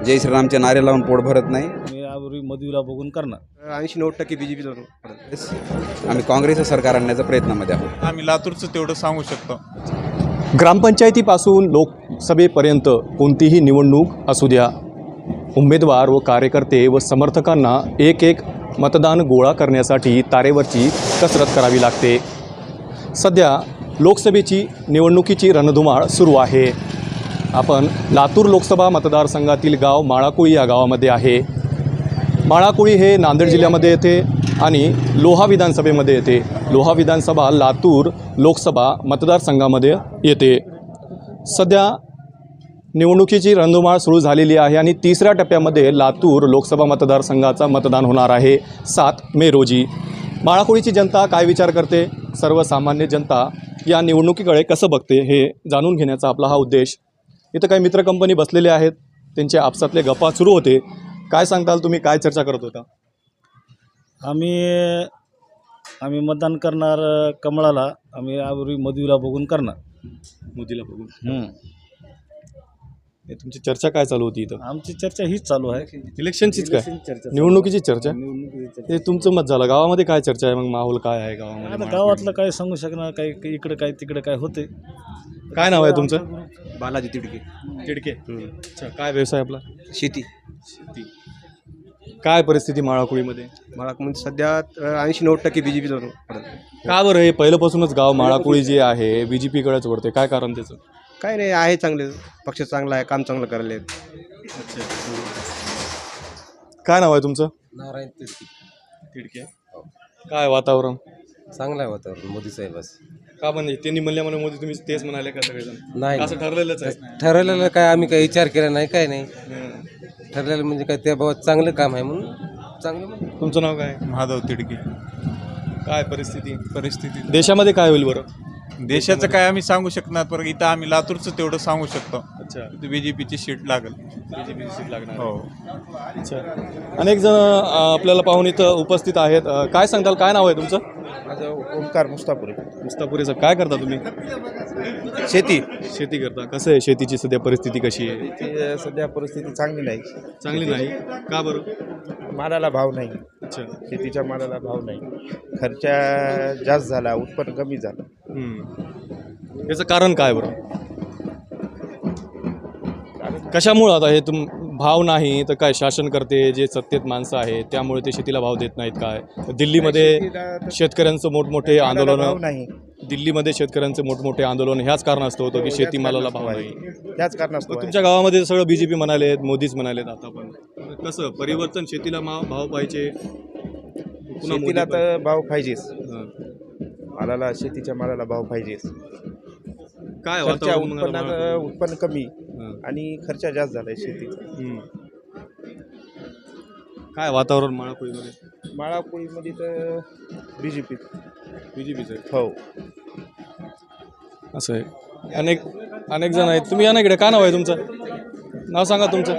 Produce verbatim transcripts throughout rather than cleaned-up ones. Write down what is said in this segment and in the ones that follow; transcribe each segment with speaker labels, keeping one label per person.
Speaker 1: जय श्रीरामचे नारे लावून पोट भरत नाही।
Speaker 2: मी यापूर्वी मधुला बघून करणार
Speaker 3: ऐंशी नव्वद टक्के बीजेपी
Speaker 1: आम्ही काँग्रेसचं सरकार आणण्याच्या प्रयत्नामध्ये आहोत।
Speaker 4: आम्ही लातूरचं तेवढं सांगू शकतो।
Speaker 5: ग्रामपंचायतीपासून लोकसभेपर्यंत कोणतीही निवडणूक असू द्या, उमेदवार व कार्यकर्ते व समर्थकांना एक एक मतदान गोळा करण्यासाठी तारेवरची कसरत करावी लागते। सध्या लोकसभेची निवडणुकीची रणधुमाळ सुरू आहे। आपण लातूर लोकसभा मतदारसंघातील गाव माळाकोळी या गावामध्ये आहे। माळाकोळी हे नांदेड जिल्ह्यामध्ये येते आणि लोहा विधानसभेमध्ये येते। लोहा विधानसभा लातूर लोकसभा मतदारसंघामध्ये येते। सध्या निवडणुकीची रणधुमाळ सुरू झालेली आहे आणि तिसऱ्या टप्प्यामध्ये लातूर लोकसभा मतदारसंघाचा मतदान होणार आहे सात मे रोजी। माळाकोळीची जनता काय विचार करते, सर्वसामान्य जनता या निवडणुकीकडे कसं बघते हे जाणून घेण्याचा आपला हा उद्देश। इथं काही मित्र कंपनी बसलेले आहेत, त्यांचे आपसातले गप्पा सुरू होते। काय सांगताल तुम्ही, काय चर्चा करत होता?
Speaker 2: आम्ही आम्ही मतदान करणार कमळाला। आम्ही यापूर्वी मधुला बघून करणार
Speaker 5: मोदीला बघून।
Speaker 2: हम्म.
Speaker 5: हे तुमची चर्चा काय चालू होती इथं?
Speaker 2: आमची चर्चा हीच चालू आहे,
Speaker 5: इलेक्शनचीच काय,
Speaker 2: चर्चा
Speaker 5: निवडणुकीची चर्चा?
Speaker 2: निवडणुकीची चर्चा।
Speaker 5: हे तुमचं मत झालं, गावामध्ये काय चर्चा आहे मग, माहोल काय आहे
Speaker 2: आता
Speaker 5: गावामध्ये?
Speaker 2: गावातलं काय सांगू शकणार, काही काही इकडे काय तिकडे काय होते।
Speaker 5: काय नाव आहे तुमचं?
Speaker 3: बालाजी तिडके
Speaker 5: तिडके। अच्छा, काय व्यवसाय आपला?
Speaker 3: शेती
Speaker 5: शेती। काय परिस्थिती माळाकोळीमध्ये?
Speaker 3: मला म्हणजे सध्या ऐंशी नव्वद टक्के बीजेपी
Speaker 5: का बरं हे पहिल्यापासूनच गाव माळाकोळी जे आहे बी जे पीकडेच वळते, काय कारण त्याचं?
Speaker 3: काय नाही, आहे चांगले, पक्ष चांगला आहे, काम चांगलं करायला.
Speaker 5: काय नाव आहे तुमचं?
Speaker 6: नारायण तिडकी.
Speaker 5: तिडके। काय वातावरण?
Speaker 6: चांगलं आहे वातावरण मोदी साहेबास.
Speaker 5: का म्हणजे त्यांनी म्हणल्या म्हणून मोदी तुम्ही तेच म्हणाले का सगळेजण?
Speaker 6: नाही
Speaker 5: असं ठरलेलंच आहे?
Speaker 6: ठरवलेलं काय आम्ही काही विचार केला नाही, काय नाही ठरलेलं म्हणजे काय त्या बाबत चांगलं काम आहे म्हणून चांगलं म्हणून.
Speaker 5: तुमचं नाव काय?
Speaker 4: महादेव तिडकी।
Speaker 5: काय परिस्थिती
Speaker 4: परिस्थिती
Speaker 5: देशामध्ये काय होईल बरं?
Speaker 4: देशाचं काय आम्ही सांगू शकणार, पण इथं आम्ही लातूरचं तेवढं सांगू शकतो।
Speaker 5: अच्छा,
Speaker 4: बीजेपीची सीट लागेल।
Speaker 5: बीजेपीची सीट लागणार?
Speaker 4: हो।
Speaker 5: अच्छा, अनेक जण अ, आपल्याला पाहून इथं उपस्थित आहेत। अ, काय सांगताल, काय नाव आहे तुमचं?
Speaker 3: माझं ओंकार मुस्तापुरे.
Speaker 5: मुस्तापुरे साहेब, काय करता तुम्ही?
Speaker 3: शेती
Speaker 5: शेती करता। कसं आहे शेतीची सध्या परिस्थिती, कशी आहे?
Speaker 3: ती सध्या परिस्थिती चांगली नाही,
Speaker 5: चांगली नाही का बरं?
Speaker 3: मालाला भाव नाही.
Speaker 5: अच्छा।
Speaker 3: शेतीच्या मालाला भाव नाही, खर्चा जास्त झाला, उत्पन्न कमी झालं.
Speaker 5: हम्म. याचं कारण काय बरं? कशामुळं आता हे तुम भाव नाही तर काय शासन करते, जे सत्तेत माणसं आहेत त्यामुळे ते शेतीला भाव देत नाहीत काय? दिल्लीमध्ये शेतकऱ्यांचं मोठमोठे आंदोलन,
Speaker 3: नाही
Speaker 5: दिल्लीमध्ये शेतकऱ्यांचे मोठमोठे आंदोलन ह्याच कारणास्तव होतं की शेतीमालाला भाव नाही।
Speaker 3: त्याच कारणास्तव आहे.
Speaker 5: तुमच्या गावामध्ये सगळं बीजेपी म्हणाले, मोदीच म्हणालेत आता, पण कसं परिवर्तन, शेतीला मा- भाव पाहिजे, पुन्हा मोदी
Speaker 3: शेतीला
Speaker 5: पाहिजे.
Speaker 3: तर भाव पाहिजेच,
Speaker 5: हां.
Speaker 3: मालाला, शेतीच्या मालाला भाव पाहिजेच.
Speaker 5: काय
Speaker 3: खर्चा
Speaker 5: वातावरण मग आता
Speaker 3: उत्पन्नात
Speaker 5: माळाकोळी?
Speaker 3: उत्पन्न कमी
Speaker 5: हां.
Speaker 3: आणि खर्चा जास्त झालाय शेतीचा.
Speaker 5: हम्म. काय वातावरण माळाकोळीमध्ये?
Speaker 3: माळाकोळीमध्ये तर बीजेपी.
Speaker 5: बीजेपीचं आहे?
Speaker 3: हो.
Speaker 5: असं आहे, अनेक अनेक जण आहेत। तुम्ही या ना इकडे, काय नाव आहे तुमचं? नाव सांगा तुमचं।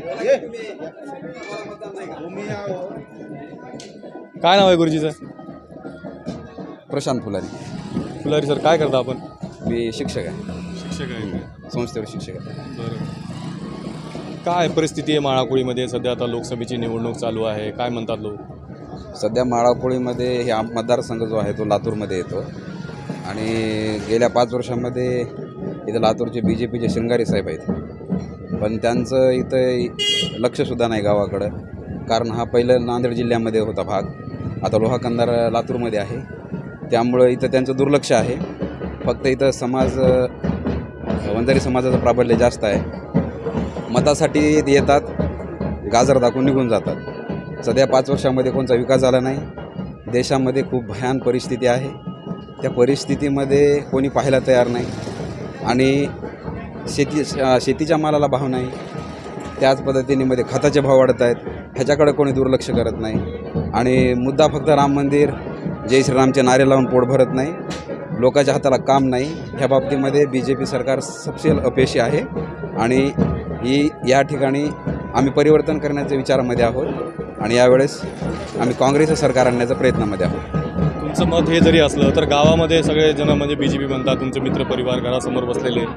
Speaker 5: काय नाव आहे गुरुजीचं?
Speaker 1: प्रशांत फुलारी।
Speaker 5: फुलारी सर, काय करता आपण?
Speaker 1: मी शिक्षक आहे,
Speaker 5: शिक्षक आहे।
Speaker 1: संस्थेवर शिक्षक आहे।
Speaker 5: बरं, काय परिस्थिती आहे माळाकोळीमध्ये सध्या? आता लोकसभेची निवडणूक चालू आहे, काय म्हणतात लोक?
Speaker 1: सध्या माळाकोळीमध्ये हे आम मतदारसंघ जो आहे तो लातूरमध्ये येतो आणि गेल्या पाच वर्षांमध्ये इथं लातूरचे बी जे पीचे शृंगारे साहेब आहेत, पण त्यांचं इथं लक्षसुद्धा नाही गावाकडं, कारण हा पहिलं नांदेड जिल्ह्यामध्ये होता भाग, आता लोहा कंधार लातूरमध्ये आहे, त्यामुळं इथं त्यांचं दुर्लक्ष आहे। फक्त इथं समाज, वंजारी समाजाचं प्राबल्य जास्त आहे, मतासाठी येतात, गाजर दाखवून निघून जातात। सध्या पाच वर्षामध्ये कोणता विकास झाला नाही, देशामध्ये खूप भयान परिस्थिती आहे, त्या परिस्थितीमध्ये कोणी पाहायला तयार नाही आणि शेती शेतीच्या मालाला भाव नाही, त्याच पद्धतीने मध्ये खताचे भाव वाढत आहेत, ह्याच्याकडे कोणी दुर्लक्ष करत नाही आणि मुद्दा फक्त राम मंदिर, जय श्रीरामचे नारे लावून पोट भरत नाही, लोकांच्या हाताला काम नाही, ह्या बाबतीमध्ये बी जे पी सरकार सपशेल अपयशी आहे आणि ही या ठिकाणी आम्ही परिवर्तन करण्याच्या विचारामध्ये आहोत आणि यावेळेस आम्ही काँग्रेसचं सरकार आणण्याच्या प्रयत्नामध्ये आहोत।
Speaker 5: तुमचं मत हे जरी असलं तर गावामध्ये सगळे जण म्हणजे बी जे पी म्हणतात, तुमचे मित्रपरिवार घरासमोर बसलेले,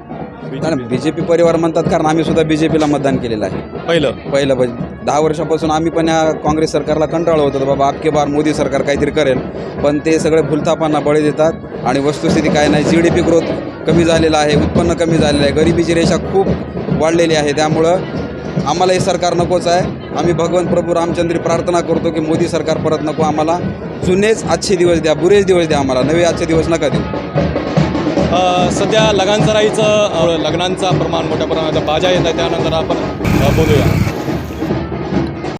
Speaker 1: कारण बी जे पी परिवार म्हणतात कारण आम्ही सुद्धा बी जे पीला मतदान केलेलं आहे
Speaker 5: पहिलं
Speaker 1: पहिलं म्हणजे दहा वर्षापासून आम्ही पण या काँग्रेस सरकारला कंटाळलो होतो बाबा आपके बार मोदी सरकार काहीतरी करेल, पण ते सगळे भुलथापांना बळी देतात आणि वस्तुस्थिती काय नाही. जी डी पी ग्रोथ कमी झालेला आहे, उत्पन्न कमी झालेलं आहे, गरिबीची रेषा खूप वाढलेली आहे. त्यामुळं आम्हाला हे सरकार नकोच आहे. आम्ही भगवंत प्रभू रामचंद्री प्रार्थना करतो की मोदी सरकार परत नको, आम्हाला जुनेच आजचे दिवस द्या, बुरेच दिवस द्या, आम्हाला नवे आजचे दिवस नका देऊ.
Speaker 5: अ, सध्या लगानसराईचं अ, लग्नांचा प्रमाण मोठ्या प्रमाणात बाजा येत आहे, त्यानंतर आपण अ, बोलूया.